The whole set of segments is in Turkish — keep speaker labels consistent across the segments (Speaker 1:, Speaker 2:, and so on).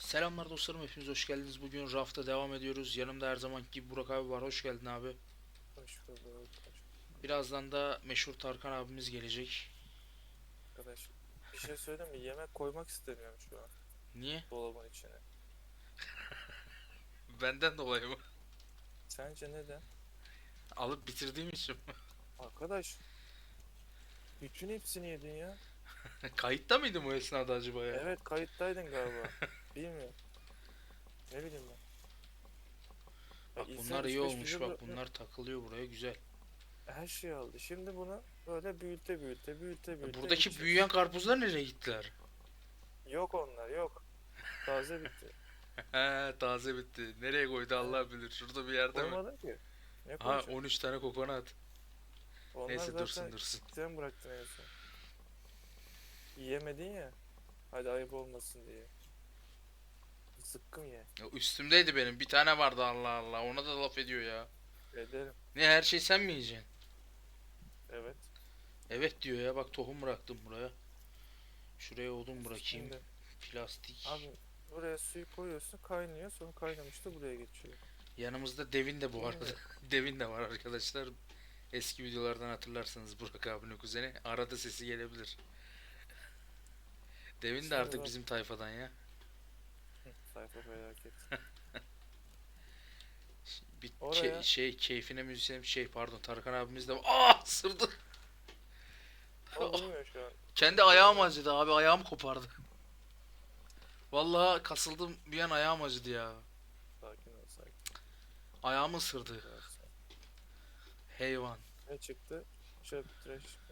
Speaker 1: Selamlar dostlarım, hepiniz hoş geldiniz. Bugün rafta devam ediyoruz. Yanımda her zamanki gibi Burak abi var. Hoş geldin abi.
Speaker 2: Hoş bulduk.
Speaker 1: Birazdan da meşhur Tarkan abimiz gelecek.
Speaker 2: Arkadaş. Bir şey söyleyeyim mi? Yemek koymak istemiyorum şu an
Speaker 1: Niye?
Speaker 2: dolabın içine.
Speaker 1: Benden dolayı mı?
Speaker 2: Sence neden?
Speaker 1: Alıp bitirdiğim için mi?
Speaker 2: Arkadaş, bütün hepsini yedin ya.
Speaker 1: Kayıtta mıydım o esnada acaba ya?
Speaker 2: Evet, kayıttaydın galiba. Bilmiyorum. Ne bileyim ben. Ya
Speaker 1: Bak
Speaker 2: insan
Speaker 1: bunlar iyi
Speaker 2: 3-5
Speaker 1: olmuş,
Speaker 2: kilo
Speaker 1: bak bunlar takılıyor buraya, güzel.
Speaker 2: her şeyi aldı. Şimdi bunu böyle büyüte
Speaker 1: Buradaki
Speaker 2: gideceğiz.
Speaker 1: büyüyen karpuzlar nereye gittiler?
Speaker 2: Yok onlar yok. Taze bitti.
Speaker 1: He, taze bitti. Nereye koydu
Speaker 2: Evet.
Speaker 1: Allah bilir. Şurada bir yerde mi?
Speaker 2: Koymadın ki. Ne
Speaker 1: Ha,
Speaker 2: koyacak?
Speaker 1: 13 tane kokonat.
Speaker 2: Onlar
Speaker 1: Neyse, dursun
Speaker 2: zaten
Speaker 1: dursun.
Speaker 2: sen bıraktın en son. Yiyemedin ya. Hadi ayıp olmasın diye. Zıkkım ye.
Speaker 1: Ya üstümdeydi benim. Bir tane vardı, Allah Allah. Ona da laf ediyor ya.
Speaker 2: Ederim.
Speaker 1: Ne, her şey sen mi yiyeceksin?
Speaker 2: Evet.
Speaker 1: Evet diyor ya, bak tohum bıraktım buraya. Şuraya odun bırakayım.
Speaker 2: Şimdi
Speaker 1: Plastik.
Speaker 2: abi buraya suyu koyuyorsun kaynıyor sonra kaynamıştı buraya geçiyor.
Speaker 1: Yanımızda devin de bu arada.
Speaker 2: Şimdi
Speaker 1: Devin de var arkadaşlar. Eski videolardan hatırlarsanız Burak abinin kuzeni. Arada sesi gelebilir. Devin de
Speaker 2: şimdi
Speaker 1: artık
Speaker 2: bak.
Speaker 1: bizim tayfadan ya.
Speaker 2: Sayfa felaket.
Speaker 1: Bir
Speaker 2: Oraya
Speaker 1: keyfine müzisyenim pardon, Tarkan abimiz de var. Aa, ısırdı.
Speaker 2: o vurmuyor şu an.
Speaker 1: Kendi ayağım
Speaker 2: Gönder.
Speaker 1: acıdı abi, ayağım kopardı. Vallahi kasıldım bir an, ayağım acıdı ya.
Speaker 2: Sakin ol sakin.
Speaker 1: Ayağımı ısırdı.
Speaker 2: Rahat sakin.
Speaker 1: Heyvan.
Speaker 2: Ne çıktı? Çöp trash çıktı.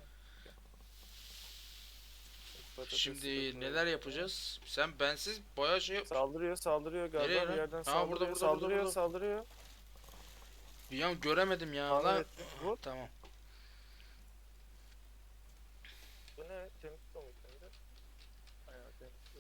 Speaker 2: Patatesi de
Speaker 1: Şimdi
Speaker 2: koyalım
Speaker 1: neler
Speaker 2: oraya.
Speaker 1: yapacağız? Sen bensiz bayağı şey yap.
Speaker 2: Saldırıyor
Speaker 1: Nereye
Speaker 2: galiba bir
Speaker 1: lan?
Speaker 2: yerden
Speaker 1: Ha, burada
Speaker 2: saldırıyor
Speaker 1: burada burada
Speaker 2: saldırıyor
Speaker 1: burada.
Speaker 2: saldırıyor.
Speaker 1: Bir an göremedim ya
Speaker 2: Tahmin
Speaker 1: lan.
Speaker 2: ettim. Vur.
Speaker 1: Tamam.
Speaker 2: Bu ne? Temiz su mu içinde? Aynen temiz su.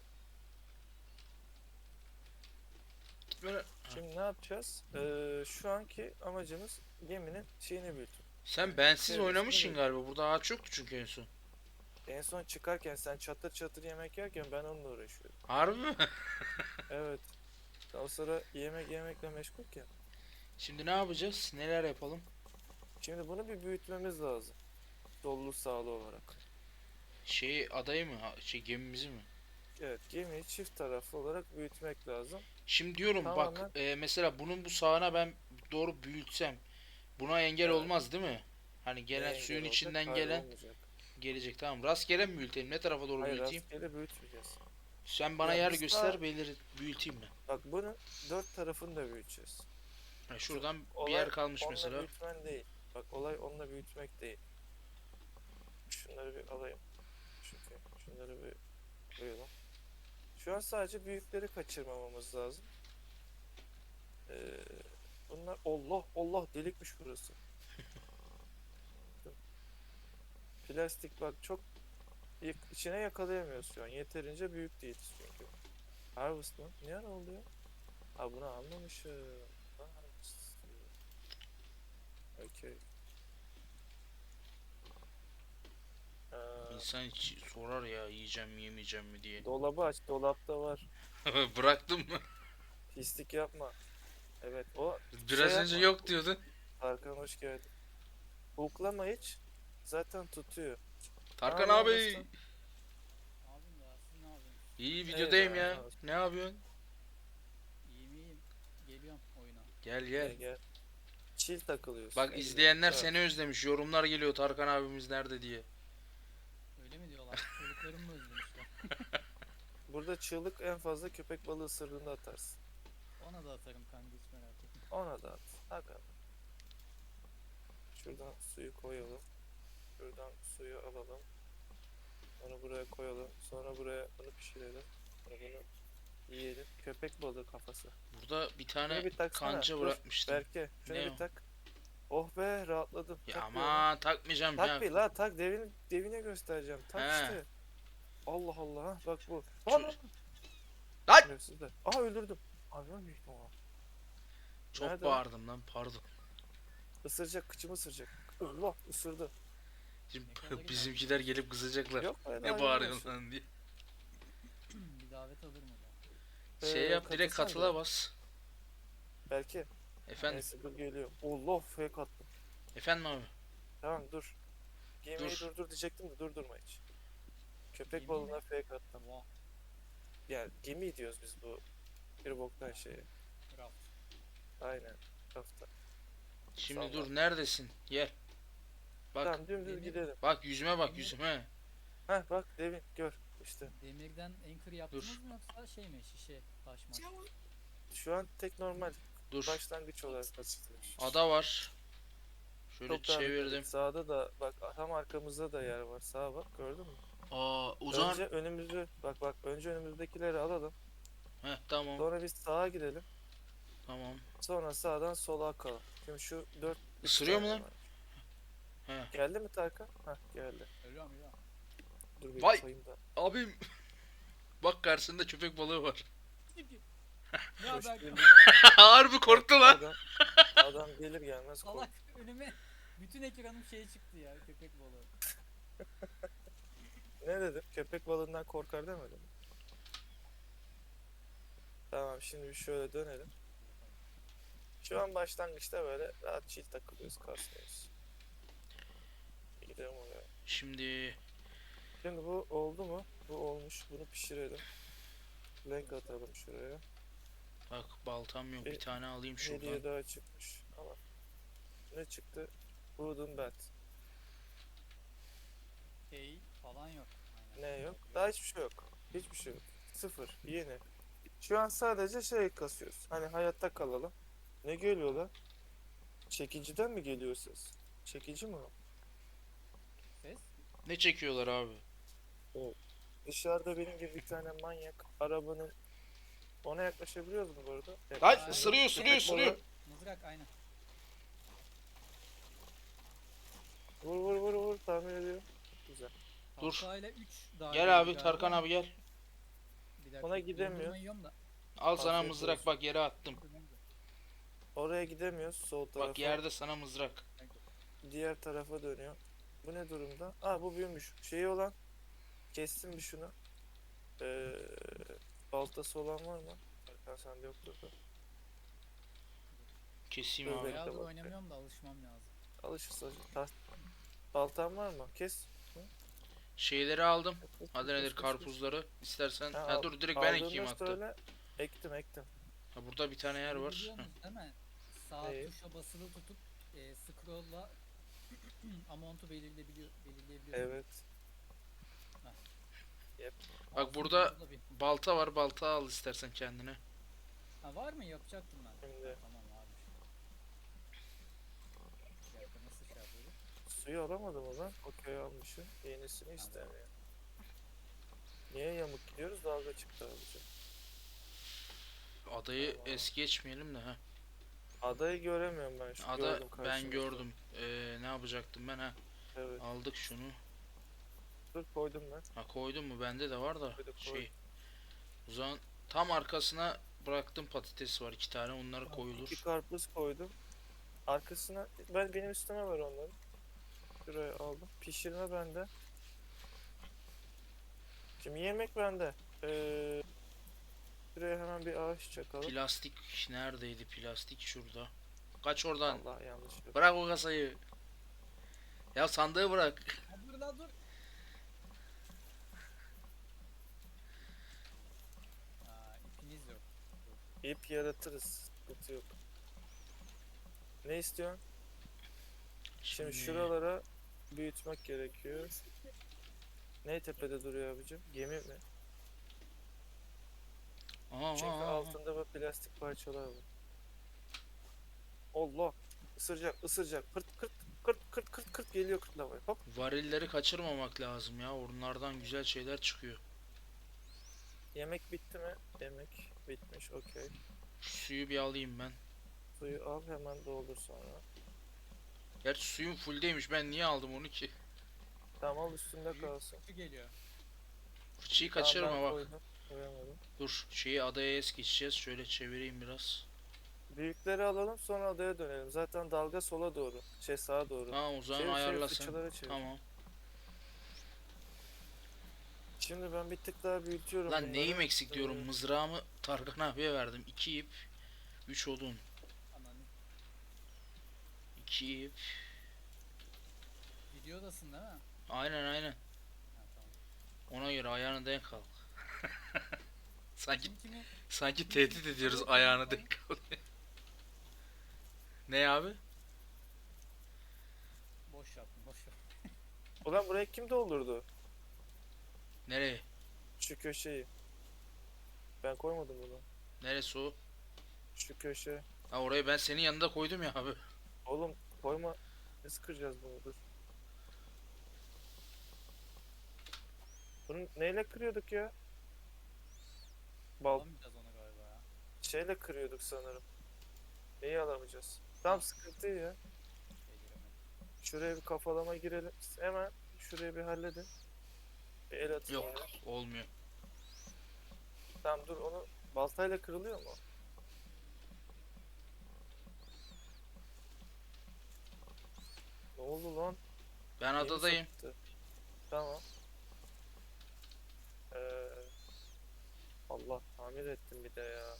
Speaker 1: Gitme lan. Ha.
Speaker 2: Şimdi ne yapacağız? Şu anki amacımız geminin şeyini büyütmek.
Speaker 1: Sen bensiz
Speaker 2: Çevresini
Speaker 1: oynamışsın
Speaker 2: büyütmek.
Speaker 1: galiba. Burada ağaç yoktu çünkü en son.
Speaker 2: En son çıkarken sen çatır çatır yemek yerken ben onunla uğraşıyordum.
Speaker 1: Harbi mi?
Speaker 2: Evet. Sen o sıra yemekle meşgulken.
Speaker 1: Şimdi ne yapacağız? Neler yapalım?
Speaker 2: Şimdi bunu bir büyütmemiz lazım. Dolulu sağlı olarak.
Speaker 1: Adayı mı? Gemimizi mi?
Speaker 2: Evet, gemiyi çift taraflı olarak büyütmek lazım.
Speaker 1: Şimdi diyorum bak,
Speaker 2: Tamamen
Speaker 1: mesela bunun bu sağına ben doğru büyütsem buna engel
Speaker 2: evet.
Speaker 1: olmaz değil mi? Hani gelen
Speaker 2: Neye engel
Speaker 1: suyun
Speaker 2: olacak?
Speaker 1: içinden
Speaker 2: Hayır
Speaker 1: gelen
Speaker 2: olmayacak.
Speaker 1: gelecek, tamam. Rastgele mi büyütelim? Ne tarafa doğru
Speaker 2: Hayır
Speaker 1: büyüteyim?
Speaker 2: rastgele büyütmeyeceğiz.
Speaker 1: Sen bana
Speaker 2: Ya
Speaker 1: yer
Speaker 2: biz daha
Speaker 1: göster, büyüteyim mi?
Speaker 2: bak bunun dört tarafını da büyüteceğiz.
Speaker 1: Ha,
Speaker 2: Şu
Speaker 1: şuradan bir yer
Speaker 2: olay
Speaker 1: kalmış
Speaker 2: onunla
Speaker 1: mesela.
Speaker 2: büyütmen değil. Bak olay onunla büyütmek değil. Şunları bir alayım. Çünkü şunları bir koyalım. Şu an sadece büyükleri kaçırmamamız lazım. Ee, bunlar Allah Allah delikmiş burası. Plastik bak çok içine yakalayamıyoruz şu an. Yeterince büyük değiliz çünkü. Harvest mı? Ne ara oldu ya? Ha bunu almamışım. Ha, Harvest. Okey.
Speaker 1: İnsan hiç sorar ya, yiyeceğim mi yemeyeceğim mi diye.
Speaker 2: Dolabı aç. Dolapta var.
Speaker 1: Bıraktım mı?
Speaker 2: Pislik yapma. Evet o şey
Speaker 1: Biraz önce
Speaker 2: yapma.
Speaker 1: yok diyordun.
Speaker 2: Tarkan hoş geldin. Huklama hiç. Zaten tutuyor. Ne
Speaker 1: Tarkan
Speaker 2: yapıyorsun
Speaker 1: abi.
Speaker 2: dostum?
Speaker 3: Abim ya siz ne yapıyorsunuz?
Speaker 1: İyi,
Speaker 2: İyi
Speaker 1: videodayım
Speaker 2: be. Ne
Speaker 1: ya.
Speaker 2: olsun.
Speaker 1: Ne yapıyorsun?
Speaker 3: İyiyim iyiyim. Geliyorum oyuna.
Speaker 1: Gel gel.
Speaker 2: Gel gel. Chill takılıyorsun.
Speaker 1: Bak
Speaker 2: Ne güzel.
Speaker 1: izleyenler
Speaker 2: Rahat.
Speaker 1: seni özlemiş. Yorumlar geliyor, Tarkan abimiz nerede diye.
Speaker 3: Öyle mi diyorlar? Çocuklarım mı özlemişler?
Speaker 2: Burada çığlık en fazla köpek balığı ısırdığında atarsın.
Speaker 3: Ona da atarım kanka hiç merak etme.
Speaker 2: Ona da at. Bakalım. Şuradan suyu koyalım. Şuradan suyu alalım. Onu buraya koyalım. Sonra buraya bunu pişirelim. Sonra bunu yiyelim. Köpek balığı kafası.
Speaker 1: Burada bir
Speaker 2: Şunu
Speaker 1: tane
Speaker 2: bir taksana.
Speaker 1: kanca
Speaker 2: Dur.
Speaker 1: bırakmıştım.
Speaker 2: Berke şunu
Speaker 1: Ne
Speaker 2: bir
Speaker 1: o?
Speaker 2: tak. Oh be rahatladım.
Speaker 1: Ya
Speaker 2: Tak bir onu.
Speaker 1: aman, takmayacağım
Speaker 2: Tak
Speaker 1: ya.
Speaker 2: bir la tak devine göstereceğim. Tak
Speaker 1: He.
Speaker 2: işte. Allah Allah ha, bak bu.
Speaker 1: Ço-
Speaker 2: Lan
Speaker 1: Lan!
Speaker 2: şerefsizler. Aha öldürdüm. Hayvan büyük ama.
Speaker 1: Çok
Speaker 2: Nerede o?
Speaker 1: bağırdım lan, pardon.
Speaker 2: Isıracak kıçımı ısıracak. Allah ısırdı.
Speaker 1: Şimdi
Speaker 3: Ne kadar
Speaker 1: bizimkiler gelip kızacaklar.
Speaker 2: Yok öyle
Speaker 1: Ne
Speaker 2: hayvan
Speaker 1: bağırıyorsun
Speaker 2: olsun.
Speaker 1: lan diye.
Speaker 3: bir davet alırım o zaman.
Speaker 1: Şey yap, direkt
Speaker 2: katılsana
Speaker 1: katıla
Speaker 2: direkt.
Speaker 1: bas.
Speaker 2: Belki.
Speaker 1: Efendim,
Speaker 2: Neyse dur geliyor. Allah fake attım.
Speaker 1: efendim abi.
Speaker 2: Tamam dur. Gemiyi
Speaker 1: Dur.
Speaker 2: durdur diyecektim de durdurma hiç. Köpek
Speaker 3: Gemi
Speaker 2: balığına
Speaker 3: mi?
Speaker 2: fake attım.
Speaker 3: Oha.
Speaker 2: Yani gemi diyoruz biz bu bir boktan şeye.
Speaker 3: Raft.
Speaker 2: Aynen. Hafta.
Speaker 1: Şimdi
Speaker 2: Salla.
Speaker 1: dur, neredesin? Gel. Bak.
Speaker 2: Tamam dümdüz
Speaker 3: Demir-
Speaker 2: gidelim.
Speaker 1: Bak yüzüme bak,
Speaker 3: Demir-
Speaker 1: yüzüme.
Speaker 2: Heh bak Devin gör işte.
Speaker 3: Demirden anchor yaptınız mı yoksa şey mi? Şişe, taş maş.
Speaker 2: Şu an tek normal
Speaker 1: Dur.
Speaker 2: başlangıç olarak basitliyor.
Speaker 1: Ada var. Şöyle
Speaker 2: Çok daha
Speaker 1: çevirdim.
Speaker 2: bitmedik. Sağda da bak tam arkamızda da yer var. Sağa bak gördün mü?
Speaker 1: Aa, o zaman.
Speaker 2: Önce önümüzü bak önce önümüzdekileri alalım.
Speaker 1: Heh, tamam.
Speaker 2: Sonra biz sağa gidelim.
Speaker 1: Tamam.
Speaker 2: Sonra sağdan sola akalım. Şimdi şu 4
Speaker 1: Isırıyor mu lan? He.
Speaker 2: Geldi mi Tarkan? Hah geldi.
Speaker 3: Ölüyorum.
Speaker 2: Dur bir
Speaker 1: Vay!
Speaker 2: sayayım da.
Speaker 1: Abim. Bak, karşısında köpek balığı var.
Speaker 3: Ne
Speaker 2: Hoş
Speaker 3: haber?
Speaker 2: geldin.
Speaker 1: Harbi korktu lan.
Speaker 2: Adam gelir gelmez kork.
Speaker 3: Salak önüme bütün ekranım şey çıktı ya, köpek balığı.
Speaker 2: Ne dedim? Köpek balığından korkar demedim. mi? Tamam şimdi bir şöyle dönelim. Şu an başlangıçta böyle rahat chill takılıyoruz, kasmıyoruz. Gidelim oraya.
Speaker 1: Şimdi
Speaker 2: Şimdi bu oldu mu? Bu olmuş. Bunu pişirelim. Renk atalım şuraya.
Speaker 1: bak, baltam yok, bir tane alayım şuradan.
Speaker 2: Hediye daha çıkmış. Ama ne çıktı? Wooden bat.
Speaker 3: Şey falan yok. Aynen.
Speaker 2: Ne yok? Daha hiçbir şey yok. Hiçbir şey yok. Sıfır. Yeni. Şu an sadece şey kasıyoruz. Hani hayatta kalalım. Ne geliyor lan? Çekiciden mi geliyor ses? Çekici mi o?
Speaker 3: Ses?
Speaker 1: Ne çekiyorlar abi?
Speaker 2: Dışarıda benim gibi bir tane manyak arabanın ona yaklaşabiliyoruz mu bu arada?
Speaker 1: Lan
Speaker 2: Yaklaşamıyoruz.
Speaker 1: ısırıyor, ısırıyor,
Speaker 2: Köpek
Speaker 1: ısırıyor.
Speaker 2: balığı-
Speaker 3: Mızrak aynen.
Speaker 2: Vur tahmin ediyorum. Güzel.
Speaker 1: Dur.
Speaker 3: Halkayla 3 daha
Speaker 1: Gel abi,
Speaker 3: galiba.
Speaker 1: Tarkan abi gel.
Speaker 3: Bir dakika,
Speaker 2: Ona gidemiyor.
Speaker 3: dondurma yiyorum da.
Speaker 1: Al sana
Speaker 2: Afiyet
Speaker 1: mızrak,
Speaker 2: olsun.
Speaker 1: bak yere attım.
Speaker 2: Oraya gidemiyoruz sol tarafa.
Speaker 1: Bak, yerde sana mızrak.
Speaker 2: Diğer tarafa dönüyor. Bu ne durumda? Aa bu büyümüş. Şeyi olan kestim bir şunu. Baltası olan var mı? Erkan sende yoktur da.
Speaker 1: Keseyim
Speaker 2: Dur
Speaker 1: abi.
Speaker 2: bekle.
Speaker 3: Bayağıdır
Speaker 2: bak.
Speaker 3: oynamıyorum da alışmam lazım.
Speaker 2: Alışırsa. Baltan var mı? Kes.
Speaker 1: Şeyleri aldım. Adı nedir, karpuzları. İstersen.
Speaker 2: Ha,
Speaker 1: Ha, dur, direkt ben
Speaker 2: aldığında
Speaker 1: ekeyim hatta.
Speaker 2: söyle. Ektim.
Speaker 1: Ha, burada bir tane yer
Speaker 3: Bunu
Speaker 1: var.
Speaker 3: biliyorsunuz değil mi? Sağ
Speaker 2: Neyi?
Speaker 3: tuşa basılı tutup scroll'la amount'u belirleyebiliyorsunuz.
Speaker 2: Evet.
Speaker 1: Bak,
Speaker 3: Altın
Speaker 1: burada
Speaker 3: tuşla bir-
Speaker 1: balta var, balta al istersen kendine.
Speaker 3: Ha, var mı? Yapacaktım ben.
Speaker 2: Şimdi.
Speaker 3: Ha, tamam varmış. Bir dakika, nasıl şey yapıyoruz?
Speaker 2: Suyu alamadım o zaman. Okey almışım. Yenisini istemiyor. Niye yamuk gidiyoruz? Dalga çıktı abici.
Speaker 1: Adayı
Speaker 2: Tamam.
Speaker 1: es geçmeyelim de ha.
Speaker 2: Adayı göremiyorum ben şu
Speaker 1: Ada
Speaker 2: gördüm
Speaker 1: ben
Speaker 2: karşımda.
Speaker 1: gördüm. Ne yapacaktım ben ha?
Speaker 2: Evet.
Speaker 1: Aldık şunu.
Speaker 2: Dur koydum ben.
Speaker 1: Ha, koydum mu? Bende de var da
Speaker 2: Koydum,
Speaker 1: şey. O zaman tam arkasına bıraktım, patates var 2 tane, onları
Speaker 2: İki
Speaker 1: koyulur.
Speaker 2: karpuz koydum. Arkasına benim üstüme var onları. Şuraya aldım. Pişirme bende. Şimdi yemek bende. Şuraya hemen bir ağaç çakalım.
Speaker 1: Plastik neredeydi? Plastik şurada. Kaç oradan.
Speaker 2: Allah yanlış yaptım.
Speaker 1: Bırak o kasayı. Ya, sandığı bırak.
Speaker 3: Ha, dur lan dur. Aa, ipiniz yok.
Speaker 2: İp yaratırız. Sıkıntı yok. Ne istiyorsun? Şimdi şuralara büyütmek gerekiyor. Ne tepede duruyor abicim? Gemi mi?
Speaker 1: Aha,
Speaker 2: Çünkü
Speaker 1: aha, aha.
Speaker 2: altında bu plastik parçalar var. Allah! Isıracak. Kırt geliyor kırtlamaya. Hop.
Speaker 1: Varilleri kaçırmamak lazım ya. Onlardan güzel şeyler çıkıyor.
Speaker 2: Yemek bitti mi? Yemek bitmiş. Okey.
Speaker 1: Şu suyu bir alayım ben.
Speaker 2: Suyu al hemen doldur sonra.
Speaker 1: Gerçi suyum fulldeymiş. Ben niye aldım onu ki?
Speaker 2: Tamam al üstünde kalsın.
Speaker 3: Şu geliyor.
Speaker 1: Fıçıyı
Speaker 2: Tamam,
Speaker 1: kaçırma
Speaker 2: ben
Speaker 1: bak.
Speaker 2: koydum. Koyamadım.
Speaker 1: Dur, şeyi adaya es geçeceğiz. Şöyle çevireyim biraz.
Speaker 2: Büyükleri alalım sonra adaya dönelim. Zaten dalga sola doğru. Sağa doğru.
Speaker 1: Tamam, o zaman
Speaker 2: Çevir,
Speaker 1: ayarla sen.
Speaker 2: fıçıları çevir.
Speaker 1: Tamam.
Speaker 2: Şimdi ben bir tık daha büyütüyorum
Speaker 1: Lan
Speaker 2: bunları.
Speaker 1: neyim eksik diyorum.
Speaker 2: Ee,
Speaker 1: Mızrağımı Tarkan abiye verdim. 2 ip, 3 odun.
Speaker 3: Ananı.
Speaker 1: 2 ip.
Speaker 3: Videodasın değil mi?
Speaker 1: Aynen aynen.
Speaker 3: Ha, tamam.
Speaker 1: Ona göre ayağını denk al. Sanki
Speaker 3: Kim kimi
Speaker 1: sanki tehdit ediyoruz ayağını denk al. Ne abi?
Speaker 3: boş yaptım, boş yaptım.
Speaker 2: Ulan buraya kim doldurdu?
Speaker 1: Nereye?
Speaker 2: Şu köşeyi. Ben koymadım bunu.
Speaker 1: Neresi o?
Speaker 2: Şu köşe.
Speaker 1: Ha orayı ben senin yanında koydum ya abi.
Speaker 2: Oğlum koyma. Nasıl kıracağız bunu? Dur. Bunu neyle kırıyorduk ya? Bal
Speaker 3: Alamayacağız onu galiba ya.
Speaker 2: şeyle kırıyorduk sanırım. Neyi alamayacağız? Tam sıkıntı ya.
Speaker 3: Şey giremedim.
Speaker 2: Şuraya bir kafalama girelim. Hemen şurayı bir halledin. Bir el atın
Speaker 1: Yok
Speaker 2: ya.
Speaker 1: olmuyor.
Speaker 2: Tamam dur onu baltayla kırılıyor mu? Ne oldu lan?
Speaker 1: Ben
Speaker 2: Yeni
Speaker 1: adadayım.
Speaker 2: sapıttı. Tamam. Ee, Allah tamir ettim bir de ya.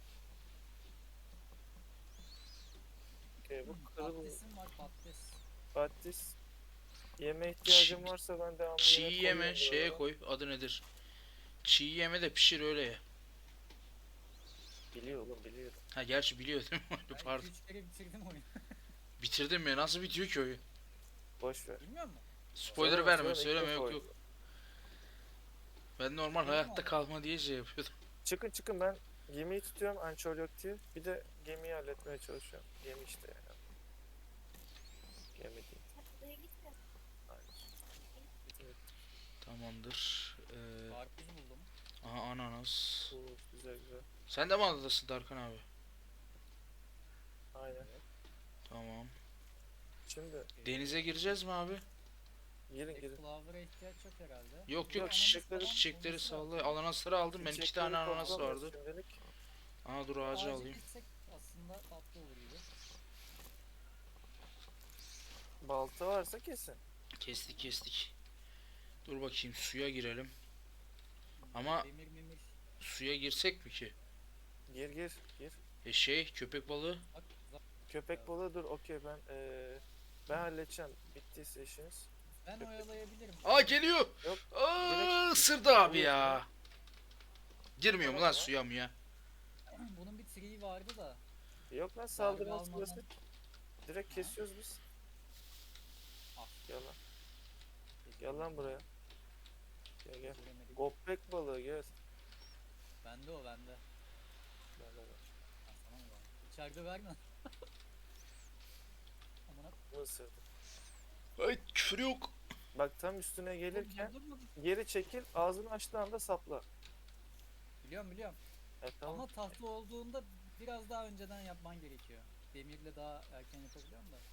Speaker 2: Okey bu kırılıyor.
Speaker 3: Patatesim var, patates.
Speaker 2: Patates. Yeme ihtiyacım varsa ben devamlı
Speaker 1: Çiğ
Speaker 2: yemek
Speaker 1: yeme
Speaker 2: koyuyorum
Speaker 1: şeye
Speaker 2: buralara.
Speaker 1: koy. Adı nedir? Çiğ yeme de pişir öyle ye.
Speaker 2: Biliyor oğlum biliyorum.
Speaker 1: Ha gerçi biliyor değil mi?
Speaker 3: Ben
Speaker 1: Pardon.
Speaker 3: 2-3 kere bitirdim oyunu.
Speaker 1: Bitirdim mi? Nasıl bitiyor ki oyun?
Speaker 2: Boş ver.
Speaker 3: Bilmiyor musun?
Speaker 1: Spoiler
Speaker 2: Söyleme,
Speaker 1: verme,
Speaker 2: söyleme, ilk
Speaker 1: söyleme
Speaker 2: defa
Speaker 1: yok yok.
Speaker 2: oynadım.
Speaker 1: Ben normal
Speaker 3: Söyleme
Speaker 1: hayatta
Speaker 3: ama.
Speaker 1: kalma diye şey yapıyordum.
Speaker 2: Çıkın çıkın ben gemiyi tutuyorum ançol yok diye. Bir de gemiyi halletmeye çalışıyorum. Gemi işte ya. Gemi değil. Hayır. Gitmedi.
Speaker 1: Tamamdır.
Speaker 3: Karpuz buldum.
Speaker 1: Aha ananas.
Speaker 2: Oo, güzel güzel.
Speaker 1: Sen de mi adadasın Darkan abi?
Speaker 2: Aynen.
Speaker 1: Tamam.
Speaker 2: Şimdi
Speaker 1: Denize gireceğiz mi abi?
Speaker 2: girin
Speaker 3: Tek
Speaker 2: girin.
Speaker 3: flower'a ihtiyaç yok herhalde.
Speaker 1: Yok
Speaker 2: Yok,
Speaker 1: yok
Speaker 2: çiçekleri-
Speaker 1: çiçekleri salla. Ananasları aldım ben. 2
Speaker 2: Çiçekleri
Speaker 1: tane ananas
Speaker 2: toplamıyoruz
Speaker 1: vardı.
Speaker 2: şimdilik.
Speaker 1: Aa dur ağacı
Speaker 3: Ağacı
Speaker 1: alayım.
Speaker 3: gitsek aslında tatlı olur gibi.
Speaker 2: Balta varsa kesin.
Speaker 1: Kestik kestik. Dur bakayım suya girelim. Ama-
Speaker 3: Demir memir.
Speaker 1: Suya girsek mi ki?
Speaker 2: Gir gir gir.
Speaker 1: Köpek balığı.
Speaker 3: Bak
Speaker 2: Köpek balığı dur okey ben halledeceğim. Bittiyse işiniz.
Speaker 3: ben oyalayabilirim.
Speaker 1: Aa geliyor.
Speaker 2: Yok,
Speaker 1: Aa
Speaker 2: direkt-
Speaker 1: ısırdı abi
Speaker 2: Vuruyor
Speaker 1: ya. Girmiyor mu lan
Speaker 2: Tamam ya.
Speaker 1: suya mı ya?
Speaker 3: Bunun bir triği vardı da.
Speaker 2: Yok lan saldırma
Speaker 3: almadan-
Speaker 2: sırası. Direkt
Speaker 3: Ha.
Speaker 2: kesiyoruz biz.
Speaker 3: Al.
Speaker 2: Gel lan. Gel lan buraya. Gel gel.
Speaker 3: Göremedim.
Speaker 2: Gopek balığı gel.
Speaker 3: Bende o bende.
Speaker 2: Gel, gel, gel.
Speaker 3: Ha, sana mı var? İçeride verme. Amına.
Speaker 2: Bu ısırdı.
Speaker 1: Ay küfür yok.
Speaker 2: Bak tam üstüne gelirken
Speaker 3: Dur, dur, dur.
Speaker 2: geri çekil ağzını açtığı anda sapla.
Speaker 3: Biliyorum biliyorum.
Speaker 2: Tamam.
Speaker 3: Ama tahta olduğunda biraz daha önceden yapman gerekiyor. Demirle daha erken yapabiliyorum da.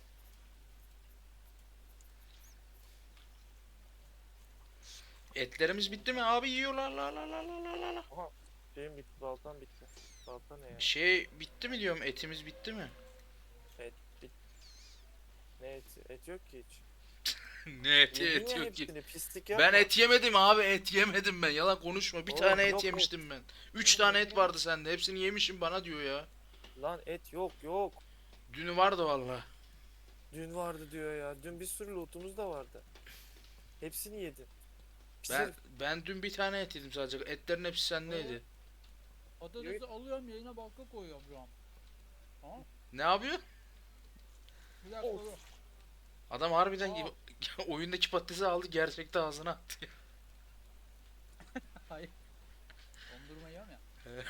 Speaker 1: Etlerimiz bitti mi abi yiyorlar la la la la la la.
Speaker 2: Aha. Şeyim bitti. Baltam bitti. Balta ne ya?
Speaker 1: Şey bitti mi diyorum etimiz bitti mi?
Speaker 2: Et bit. Ne eti? Et yok ki hiç.
Speaker 1: Ne eti
Speaker 2: Yedin
Speaker 1: et
Speaker 2: ya
Speaker 1: yok ki.
Speaker 2: hepsini, pislik yapma.
Speaker 1: Ben et yemedim abi et yemedim ben yalan konuşma bir
Speaker 2: Oğlum,
Speaker 1: tane et
Speaker 2: yok,
Speaker 1: yemiştim ben. 3
Speaker 2: Oğlum,
Speaker 1: tane
Speaker 2: yok
Speaker 1: et
Speaker 2: ya.
Speaker 1: vardı sende hepsini yemişim bana diyor ya.
Speaker 2: Lan et yok yok.
Speaker 1: Dünü vardı valla.
Speaker 2: Dün vardı diyor ya. Dün bir sürü lootumuz da vardı. Hepsini yedin. Pis
Speaker 1: Ben
Speaker 2: herif.
Speaker 1: ben dün bir tane et yedim sadece etlerin hepsi sendeydi.
Speaker 3: Patatesi alıyorum yerine balka koyuyorum şu an. Tamam.
Speaker 1: Ne yapıyor?
Speaker 3: Bir dakika
Speaker 2: Of.
Speaker 3: dur.
Speaker 1: Adam harbiden
Speaker 3: Aa.
Speaker 1: gibi oyundaki patatesi aldı gerçekte ağzına attı.
Speaker 3: Hayır. Dondurma yiyorum ya.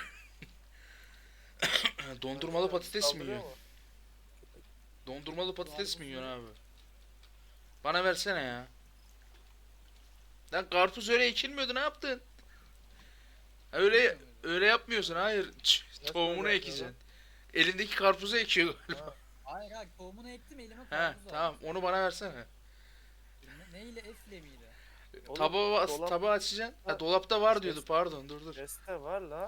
Speaker 1: Dondurmalı patates mi
Speaker 2: Saldırıyor
Speaker 1: yiyorsun?
Speaker 2: mu?
Speaker 1: Dondurmalı patates mi
Speaker 3: Karpuz
Speaker 1: yiyorsun
Speaker 3: mu?
Speaker 1: abi? Bana versene ya. Lan karpuz öyle ekilmiyordu ne yaptın? Ha, öyle
Speaker 3: Ekilmiyor muydu?
Speaker 1: öyle yapmıyorsun hayır.
Speaker 2: Nasıl
Speaker 1: Tohumunu
Speaker 2: öyle
Speaker 1: ekeceksin. Elindeki karpuzu ekiyor.
Speaker 3: Hayır hayır tohumunu ektim elime
Speaker 1: He
Speaker 3: karpuz
Speaker 1: tamam
Speaker 3: aldım.
Speaker 1: onu bana versene.
Speaker 3: Neyle F'le miydi?
Speaker 2: Oğlum,
Speaker 1: Tabağı,
Speaker 2: dolap-
Speaker 1: tabağı açacaksın. Ha,
Speaker 2: Ha,
Speaker 1: dolapta var
Speaker 2: şey-
Speaker 1: diyordu pardon dur.
Speaker 2: Reste var la.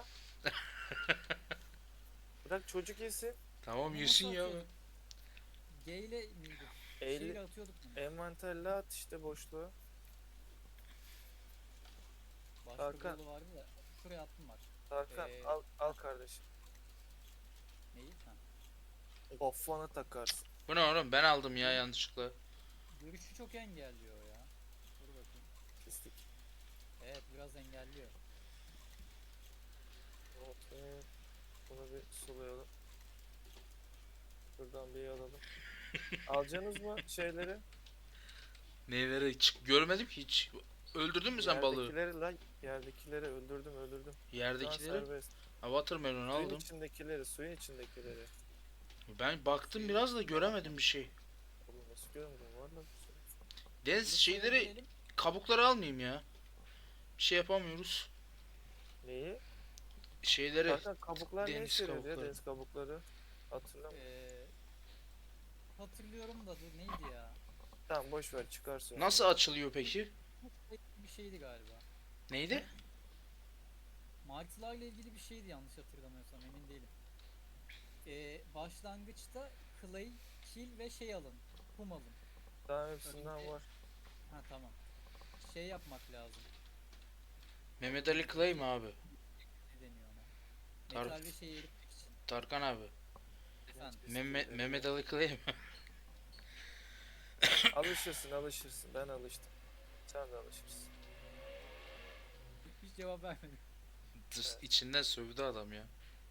Speaker 2: Bırak çocuk yesin.
Speaker 1: Tamam
Speaker 3: Bunu
Speaker 1: yesin
Speaker 3: nasıl
Speaker 1: ya.
Speaker 3: atıyorduk? G ile miydi?
Speaker 2: Eğli,
Speaker 3: Şeyle atıyorduk bunu.
Speaker 2: envanterle at işte boşluğa.
Speaker 3: Başka
Speaker 2: Hakan.
Speaker 3: bir yolu vardı da şuraya attım var.
Speaker 2: Hakan
Speaker 3: Ee,
Speaker 2: al kardeşim.
Speaker 3: Neyi? Ha.
Speaker 2: Kafana takarsın.
Speaker 1: Bu ne oğlum? Ben aldım ya yanlışlıkla.
Speaker 3: Görüşü çok engelliyor ya. Dur bakayım.
Speaker 2: Pislik.
Speaker 3: Evet biraz engelliyor.
Speaker 2: Okey. Bunu bir sulayalım. Buradan bir alalım. Alacaksınız mı şeyleri?
Speaker 1: Neyleri görmedim ki hiç. Öldürdün mü sen balığı?
Speaker 2: Yerdekileri lan. Yerdekileri öldürdüm. Şu an
Speaker 1: Yerdekileri.
Speaker 2: serbest.
Speaker 1: Ha, watermelon
Speaker 2: Suyun
Speaker 1: aldım.
Speaker 2: içindekileri, suyun içindekileri.
Speaker 1: Ben baktım biraz da göremedim bir şey.
Speaker 2: Oğlum nasıl görmedim? Var lan bir şey.
Speaker 1: Deniz
Speaker 3: Dur,
Speaker 1: şeyleri,
Speaker 3: diyelim.
Speaker 1: kabukları almayayım ya. Bir şey yapamıyoruz.
Speaker 2: Neyi?
Speaker 1: Şeyleri,
Speaker 2: Zaten kabuklar ne
Speaker 1: deniz
Speaker 2: işe yarıyor ya?
Speaker 1: kabukları.
Speaker 2: Deniz kabukları. Hatırlamıyorum.
Speaker 3: Hatırlıyorum da dur neydi ya?
Speaker 2: Tamam boş ver çıkarsın.
Speaker 1: Nasıl açılıyor peki?
Speaker 3: Bir şeydi galiba.
Speaker 1: Neydi?
Speaker 3: Martılarla ilgili bir şeydi yanlış hatırlamıyorsam emin değilim. Başlangıçta clay, kil ve şey alın. Kum alın.
Speaker 2: Daha hepsinden
Speaker 3: Önce-
Speaker 2: var.
Speaker 3: Ha tamam. Şey yapmak lazım.
Speaker 1: Mehmet Ali Clay mi abi?
Speaker 3: Ne deniyor ona?
Speaker 1: Tar-
Speaker 3: Metal ve şeyi eritmek için.
Speaker 1: Tarkan abi.
Speaker 3: Efendim.
Speaker 1: Mehmet Ali Clay mi?
Speaker 2: Alışırsın. Ben alıştım. Sen de alışırsın.
Speaker 3: Hiç cevap vermedim.
Speaker 2: Evet.
Speaker 1: İçinden sövdü adam ya.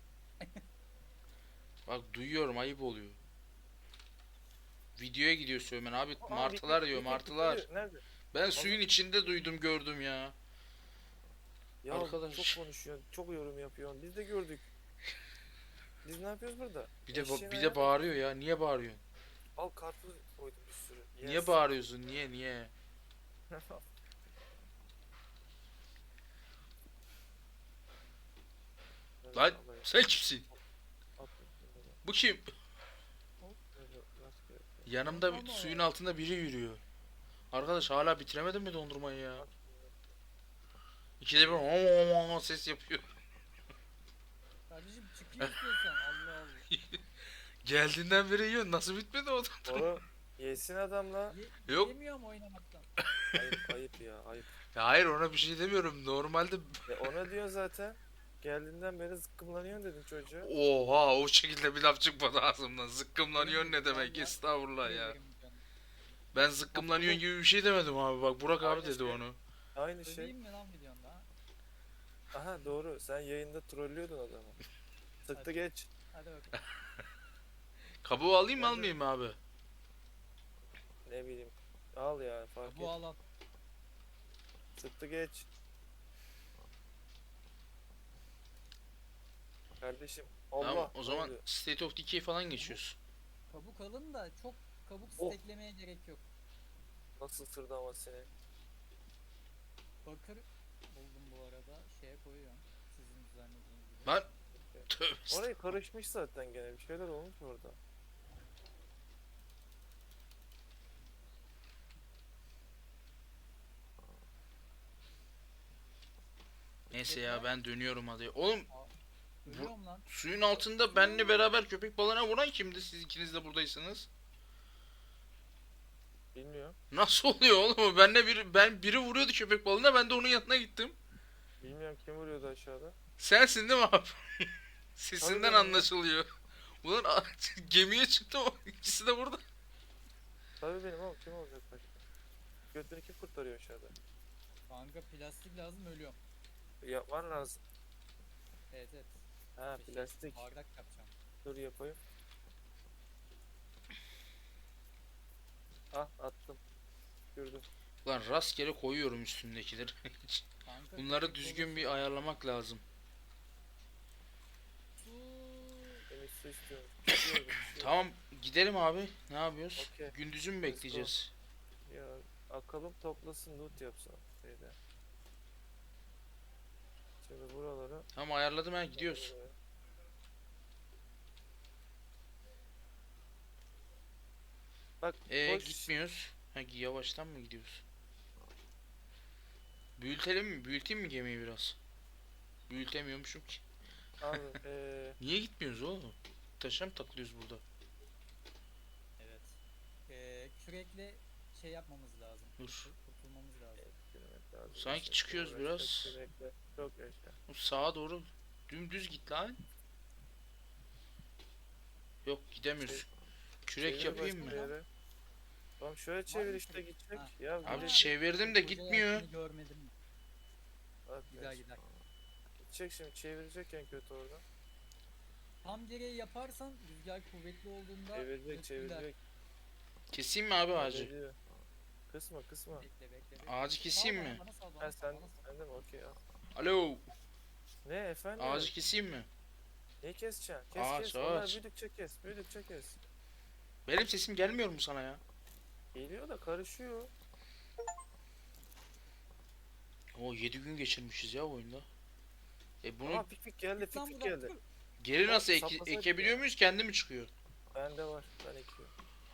Speaker 1: Bak duyuyorum, ayıp oluyor. Videoya gidiyor sövmen abi,
Speaker 2: Aa,
Speaker 1: martılar diyor,
Speaker 2: Wicked
Speaker 1: martılar.
Speaker 2: tutuyor. Nerede?
Speaker 1: Ben suyun içinde duydum, gördüm ya.
Speaker 2: Ya
Speaker 1: Arkadaş.
Speaker 2: çok konuşuyorsun, çok yorum yapıyorsun. Biz de gördük. Biz ne yapıyoruz burada?
Speaker 1: Bir de
Speaker 2: Eşeğin
Speaker 1: bir
Speaker 2: ayağı-
Speaker 1: de bağırıyor ya. Niye bağırıyorsun?
Speaker 2: Al karpuz koydum bir sürü.
Speaker 1: Niye
Speaker 2: Yes.
Speaker 1: bağırıyorsun? Niye?
Speaker 2: Evet,
Speaker 1: Lan
Speaker 2: alayım.
Speaker 1: sen kimsin?
Speaker 2: At bunları.
Speaker 1: Bu kim?
Speaker 2: Hop, böyle rastgele.
Speaker 1: Yanımda
Speaker 3: Dondurma mı
Speaker 1: suyun
Speaker 3: var?
Speaker 1: altında biri yürüyor. Arkadaş hala bitiremedin mi dondurmayı ya?
Speaker 2: At bunları.
Speaker 1: İkide bir ses yapıyor.
Speaker 3: Kardeşim çıkayım istiyorsan. Allah Allah.
Speaker 1: Geldiğinden beri yiyor. Nasıl bitmedi o dondurma?
Speaker 2: Oğlum yesin adamla.
Speaker 1: Yok.
Speaker 3: Yemiyorum oynamaktan.
Speaker 2: Ayıp ya ayıp.
Speaker 1: Ya hayır, ona bir şey demiyorum. Normalde
Speaker 2: Ona diyor zaten. Geldiğinden beri zıkkımlanıyorsun dedin çocuğa.
Speaker 1: oha, o şekilde bir laf çıkmadı ağzımdan. Zıkkımlanıyorsun ne demek?
Speaker 3: Vallahi
Speaker 1: Estağfurullah ya.
Speaker 3: Yerim canım.
Speaker 1: Ben zıkkımlanıyorsun gibi bir şey demedim abi. Bak Burak abi
Speaker 2: Aynı
Speaker 1: dedi
Speaker 2: şey.
Speaker 1: onu.
Speaker 2: Aynı şey.
Speaker 3: Söveyim mi lan videonda?
Speaker 2: Aha doğru. Sen yayında trollüyordun adamı. Sıktı
Speaker 3: Hadi.
Speaker 2: geç.
Speaker 3: Hadi bakalım.
Speaker 1: Kabuğu alayım mı
Speaker 2: Ben de-
Speaker 1: almayayım mı abi?
Speaker 2: Ne bileyim. Al ya fark
Speaker 3: Bu
Speaker 2: et.
Speaker 3: alan.
Speaker 2: Sıktı geç. Kardeşim. Allah.
Speaker 1: Tamam, o
Speaker 2: ne
Speaker 1: zaman
Speaker 2: oluyor?
Speaker 1: State of Decay falan geçiyoruz.
Speaker 3: Kabuk alın da çok kabuk
Speaker 2: Oh.
Speaker 3: steklemeye gerek yok.
Speaker 2: Nasıl sırdı ama seni.
Speaker 3: Bakır buldum bu arada. Şeye koyuyorum. Sizin düzenlediğiniz gibi.
Speaker 1: Lan tövbe
Speaker 2: Orayı karışmış zaten gene. Bir şeyler olmuş orada.
Speaker 1: Neyse ya, ben dönüyorum hadi. Oğlum
Speaker 3: Ölüyorum lan.
Speaker 1: suyun altında benle beraber köpek balığına vuran kimdi? Siz ikiniz de buradaysınız.
Speaker 2: Bilmiyorum.
Speaker 1: Nasıl oluyor oğlum? Biri vuruyordu köpek balığına, ben de onun yanına gittim.
Speaker 2: Bilmiyorum kim vuruyordu aşağıda.
Speaker 1: Sensin değil mi abi? Sesinden
Speaker 2: Tabii benim ya.
Speaker 1: anlaşılıyor. Ulan gemiye çıktım, ikisi de burada.
Speaker 2: Tabii benim oğlum kim olacak başka? Götünü kim kurtarıyor aşağıda?
Speaker 3: Kanka plastik lazım ölüyorum.
Speaker 2: Yapman lazım.
Speaker 3: Evet evet.
Speaker 2: Ha
Speaker 3: Bir şey,
Speaker 2: plastik.
Speaker 3: bardak yapacağım.
Speaker 2: Dur yapayım. Ah attım. Gördüm.
Speaker 1: Lan rastgele koyuyorum üstündekileri.
Speaker 3: Kanka,
Speaker 1: Bunları
Speaker 3: köpek
Speaker 1: düzgün
Speaker 3: balığı
Speaker 1: bir ayarlamak lazım.
Speaker 3: su.
Speaker 2: Temiz su istiyorum. Pişiyor, pişiyor.
Speaker 1: Tamam, gidelim abi. Ne yapıyoruz?
Speaker 2: Okey.
Speaker 1: Gündüzü mü
Speaker 2: Let's go.
Speaker 1: bekleyeceğiz?
Speaker 2: Ya akalım toplasın loot yapsın şeyde. Şimdi buraları
Speaker 1: Tamam, ayarladım, ha gidiyoruz.
Speaker 2: buraya. Bak boş
Speaker 1: Gitmiyoruz. Ha, yavaştan mı gidiyoruz? Büyütelim mi? Büyüteyim mi gemiyi biraz? Büyütemiyormuşum ki.
Speaker 2: abi
Speaker 1: Niye gitmiyoruz oğlum? Taşa mı takılıyoruz burada?
Speaker 3: Evet. Kürekle şey yapmamız lazım.
Speaker 1: Dur.
Speaker 3: Kurtulmamız lazım.
Speaker 2: lazım.
Speaker 1: Sanki
Speaker 2: Şimdi
Speaker 1: çıkıyoruz
Speaker 2: uğraşmak,
Speaker 1: biraz.
Speaker 2: sürmekle çok yaşa.
Speaker 1: Sağa doğru dümdüz git lan. Yok gidemiyoruz. Kürek
Speaker 2: Çevir
Speaker 1: yapayım
Speaker 2: başka
Speaker 1: mı?
Speaker 2: yere. Tamam şöyle
Speaker 3: Var
Speaker 2: çevir
Speaker 3: mı
Speaker 2: işte
Speaker 3: kürek?
Speaker 2: gidecek.
Speaker 3: Ha.
Speaker 2: Ya
Speaker 1: Abi
Speaker 2: gidecek.
Speaker 1: çevirdim de
Speaker 3: Koca
Speaker 1: gitmiyor.
Speaker 3: yelkeni görmedim.
Speaker 2: Bak
Speaker 3: Gider
Speaker 2: ya.
Speaker 3: gider.
Speaker 2: Gidecek şimdi çevirecek en kötü oradan.
Speaker 3: Tam direği yaparsan rüzgar kuvvetli olduğunda
Speaker 2: Çevirecek
Speaker 3: götürürler.
Speaker 2: çevirecek.
Speaker 1: Keseyim mi abi ağacı?
Speaker 2: Hallediyor. Kısma kısma.
Speaker 3: Bekle.
Speaker 1: Ağacı keseyim
Speaker 3: Sal
Speaker 1: mi?
Speaker 3: bana, sal,
Speaker 2: Ha
Speaker 3: bana
Speaker 2: sen,
Speaker 3: sal.
Speaker 2: sen de mi? Okey al.
Speaker 1: Alo.
Speaker 2: Ne efendim?
Speaker 1: Ağacı keseyim mi?
Speaker 2: Ne keseceksin? Kes
Speaker 1: Ağaç,
Speaker 2: kes. Onlar
Speaker 1: ağaç.
Speaker 2: büyüdükçe kes. Büyüdükçe kes.
Speaker 1: Benim sesim gelmiyor mu sana ya?
Speaker 2: Geliyor da karışıyor.
Speaker 1: O 7 gün geçirmişiz ya oyunda. Bunu
Speaker 2: Ama pik geldi
Speaker 3: Git lan
Speaker 2: pik
Speaker 3: buradan,
Speaker 2: geldi.
Speaker 3: dur.
Speaker 1: geri nasıl
Speaker 2: saplasaydık
Speaker 1: ekebiliyor
Speaker 2: ya.
Speaker 1: muyuz? Kendi mi çıkıyor?
Speaker 2: Bende var. Ben ekiyorum.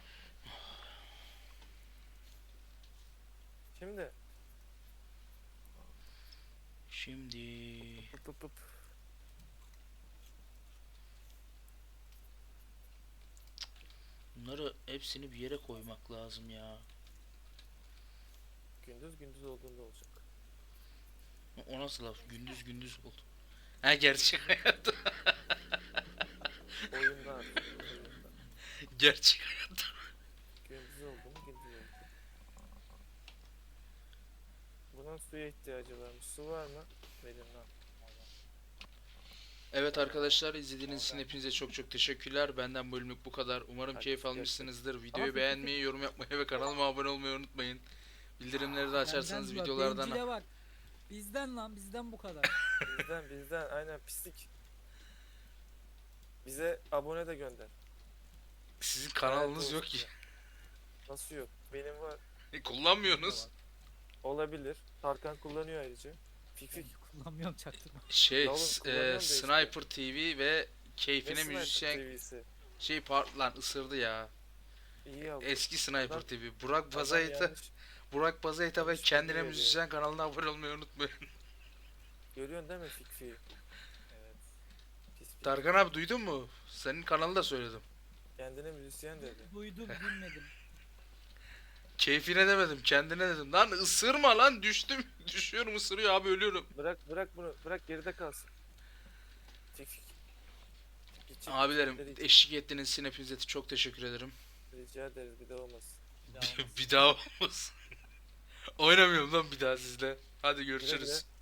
Speaker 2: Şimdi.
Speaker 1: Şimdi
Speaker 2: Pıp pıp pıp.
Speaker 1: bunları hepsini bir yere koymak lazım ya.
Speaker 2: Gündüz gündüz olduğunda olacak.
Speaker 1: O nasıl laf? Gündüz gündüz oldu. Ha gerçek hayatta.
Speaker 2: Oyunda artık. Oyunda.
Speaker 1: Gerçek hayatta.
Speaker 2: Gündüz oldu mu gündüz oldu. Bunun suya ihtiyacı varmış. Su var mı? Verin lan.
Speaker 1: Evet arkadaşlar izlediğiniz için hepinize çok çok teşekkürler. Benden bölümlük bu kadar. Umarım
Speaker 2: Hadi,
Speaker 1: keyif
Speaker 2: görüşürüz.
Speaker 1: almışsınızdır. Videoyu
Speaker 3: Ama-
Speaker 1: beğenmeyi, yorum yapmayı ve kanalıma abone olmayı unutmayın. Bildirimleri de açarsanız
Speaker 3: Benden bak,
Speaker 1: videolardan...
Speaker 3: bencile bak. Bizden lan, bizden bu kadar.
Speaker 2: Bizden aynen pislik. Bize abone de gönder.
Speaker 1: Sizin kanalınız
Speaker 2: Evet,
Speaker 1: yok
Speaker 2: olsun
Speaker 1: ki.
Speaker 2: ya. Nasıl yok? Benim var.
Speaker 1: Kullanmıyorsunuz.
Speaker 2: Olabilir. Tarkan kullanıyor ayrıca. Fik
Speaker 3: Ben
Speaker 2: fik.
Speaker 3: kullanmıyorum çaktırma.
Speaker 1: Şey,
Speaker 2: Ya oğlum, kullanıyorum da işte.
Speaker 1: Sniper TV ve
Speaker 2: Ne
Speaker 1: keyfine
Speaker 2: Sniper
Speaker 1: müzisyen
Speaker 2: TV'si?
Speaker 1: lan ısırdı ya.
Speaker 2: İyi ya.
Speaker 1: Eski Sniper
Speaker 2: Adam-
Speaker 1: TV. Burak
Speaker 2: adam
Speaker 1: Bazayta,
Speaker 2: yanlış.
Speaker 1: Burak Bazayta ve
Speaker 2: yanlış
Speaker 1: kendine
Speaker 2: bilgi
Speaker 1: müzisyen kanalına abone olmayı unutmayın.
Speaker 2: Görüyorsun değil mi fik fik?
Speaker 3: Evet.
Speaker 2: Pis pis.
Speaker 1: Tarkan abi duydun mu? Senin kanalı da söyledim.
Speaker 2: Kendine müzisyen dedi.
Speaker 3: Duydum, bilmedim.
Speaker 1: Keyfine demedim, kendine dedim. Lan ısırma lan, düştüm. Düşüyorum, ısırıyor abi, ölüyorum.
Speaker 2: Bırak bunu. Bırak geride kalsın. Fik fik. Gidecek
Speaker 1: Abilerim
Speaker 2: fikirleri
Speaker 1: eşlik ettiğiniz için hepinize çok teşekkür ederim.
Speaker 2: rica ederiz bir de olmasın.
Speaker 3: Bir daha olmaz.
Speaker 1: Bir daha olmasın. Oynamıyorum lan bir daha sizle. Hadi
Speaker 2: Güle
Speaker 1: görüşürüz.
Speaker 2: güle.